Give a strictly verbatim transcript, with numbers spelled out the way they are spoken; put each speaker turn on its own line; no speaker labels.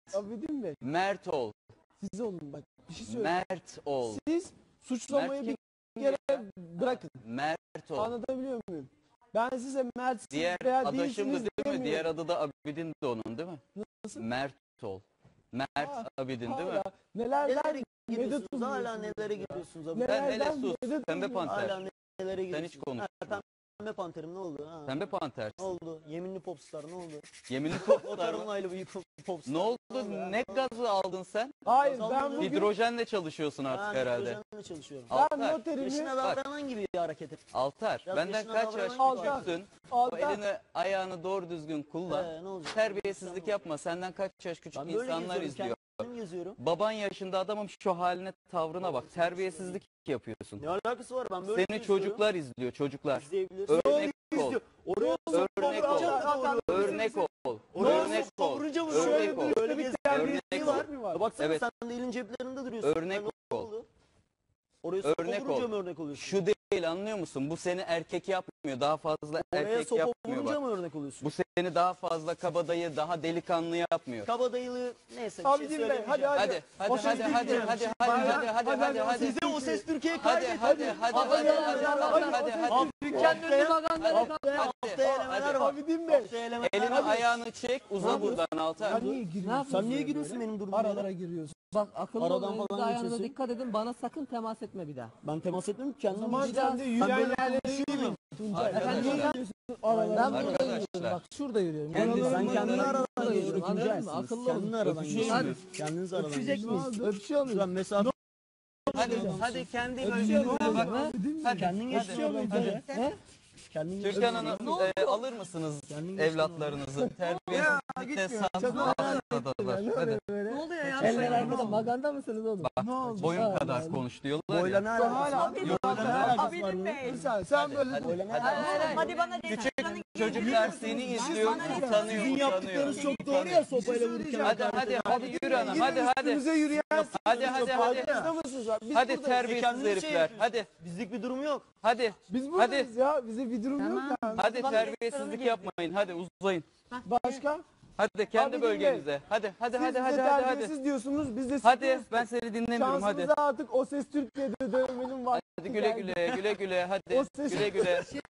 Abidin Bey.
Mert ol.
Siz olun bak. Bir şey söyleyeyim.
Mert ol.
Siz suçlamayı
Mert
bir kere bırakın.
Mert ol.
Anlatabiliyor muyum? Ben size Mert
Diğer
veya
adaşım da
değilsiniz
değil mi?
demiyorum.
Diğer adı da Abidin de onun değil mi?
Nasıl?
Mert ol. Mert
Ha,
Abidin değil mi?
Hala nelerden
Nelere gidiyorsunuz?
medet
Hala
umuyorsunuz
nelere
ya?
gidiyorsunuz abi?
Nelerden
Sen hele sus.
medet
Pembe
umuyorsunuz?
panter.
Hala nelere gidiyorsunuz?
hiç konuşma.
Ha, Pembe panterim ne oldu? Ha.
Pembe panter.
Ne oldu? Yeminli popstar ne oldu?
Yeminli
O
popstar mı?
tarımlayla bir popstar.
Ne oldu? Ne gazı aldın sen?
Hayır
Kazandım.
ben bugün
Hidrojenle çalışıyorsun artık
Ha,
herhalde.
hidrojenle çalışıyorum.
ben
Altar.
noterimi
Yaşına davranan gibi bir hareket et.
Altar.
Biraz
Benden
yaşına
kaç
davranan
yaş
gibi
Altar.
küçüksün? O
alta
elini ayağını doğru düzgün kullan.
Ee, ne olacak?
Terbiyesizlik
Ben
yapma. Senden kaç yaş küçük
böyle
insanlar
geziyorum,
izliyor.
kendim geziyorum.
Baban yaşında adamım, şu haline, tavrına bak. Terbiyesizlik yapıyorsun.
Ne alakası var? Ben böyle
Seni
geziyorum.
çocuklar izliyor, çocuklar.
İzleyebilir.
Örnek ol.
Oraya
Örnek ol. Örnek ol. Örnek ol. Örnek ol.
Böyle bir
Örnek
terbiyesizliği
ol.
var.
mi var?
Ya baksana
Evet.
sen de elin ceplerinde duruyorsun.
Örnek
Ha, ne
ol.
oldu? Oraya
Örnek
sopa vurunca
ol.
mı örnek oluyorsun?
Şu değil, anlıyor musun? Bu seni erkek yapmıyor. Daha fazla
Oraya
erkek
sopa
yapmıyor
vurunca
bak.
mı örnek oluyorsun?
Bu seni daha fazla kabadayı, daha delikanlı yapmıyor.
Kabadayılığı neyse bir
Abidin
şey
Bey,
söylemeyeceğim.
hadi,
Hadi, hadi,
O
hadi,
ses
hadi, hadi,
Türkiye.
hadi, hadi,
Bayram,
hadi, hadi, hadi, hadi.
Size o ses Türkiye'yi
Hadi,
kaydet.
hadi, hadi, hadi, hadi, hadi, hadi, hadi, hadi.
Haftaya, haftaya, haftaya elemeler var.
Abidin Bey.
Haftaya elemeler
Elini
var.
ayağını çek, uza buradan Altar.
Sen niye giriyorsun?
Sen niye giriyorsun benim durumuma?
Aralara giriyorsun.
Bak akıllı
Aradan
olun, elinize
falan
ayağınıza
geçiyorsun.
dikkat edin, bana sakın temas etme bir daha.
Ben temas etmiyorum ki kendim.
Zaman
bir
sen de
Ben
yürüyen
böyle
yerlere
konuşuyorum.
Tuncay.
Arkadaşlar.
Sen niye giriyorsun
Ben
aralara?
burada
Arkadaşlar.
yürüyorum, bak şurada yürüyorum.
Kendiniz-
Aralarında
Sen kendini
yürüyorum,
aradan
şurada
geçiyorsun.
yürüyorum, anladın mı? Akıllı
Kendini
olun.
aradan
Öpüşüyor
geçiyorsun.
muyuz?
Kendiniz aradan
Öpüşecek
geçiyorsunuz.
miyiz? Öpüşüyor muyuz?
Şuradan mesafe
Hadi, hadi kendi bölgenize
muyuz?
bak.
Ha?
Hadi,
kendin
hadi.
geçiyor muyuz?
He?
Kendin
Türkan
geçiyor
Hanım,
musun?
e, alır mısınız
Kendin
evlatlarınızı? Terbiyesizlikte sandılar. Hadi.
Ne oluyor ya? Eller arkada, maganda mısınız oğlum?
Bak, boyun kadar konuş diyorlar
Boyla
ya.
ne alakası
Hala-
var? Boyla ne alakası var
Abidin
bunun?
Bey.
Sen, sen böyle
Hadi,
Boyla ne
hadi.
alakası var?
Hadi bana de.
Küçük çocuklar seni izliyor, utanıyor,
Sizin yaptıklarınız
utanıyor.
çok doğru ya sopayla vururken.
Hadi, hadi, hadi yürü hanım, hadi, hadi.
üstümüze yürüyen
Hadi, hadi, hadi.
farkında mısınız? Biz
Hadi
buradayız.
terbiyesiz
Kendiniz şey
herifler,
yapıyorsunuz.
hadi,
Bizlik bir durum yok.
hadi,
Biz buradayız ya. Bize bir durum yok yani.
hadi terbiyesizlik yapmayın, hadi uzayın.
Başka?
Hadi kendi
Abidin
bölgenize, hadi, hadi,
Siz
hadi,
bize
hadi, hadi, hadi.
terbiyesiz diyorsunuz. Biz de
Hadi,
siz
ben seni dinlemiyorum, hadi.
şansımıza artık o ses Türkiye'de dövmenin var.
Hadi güle güle, güle güle, hadi,
O ses-
güle güle.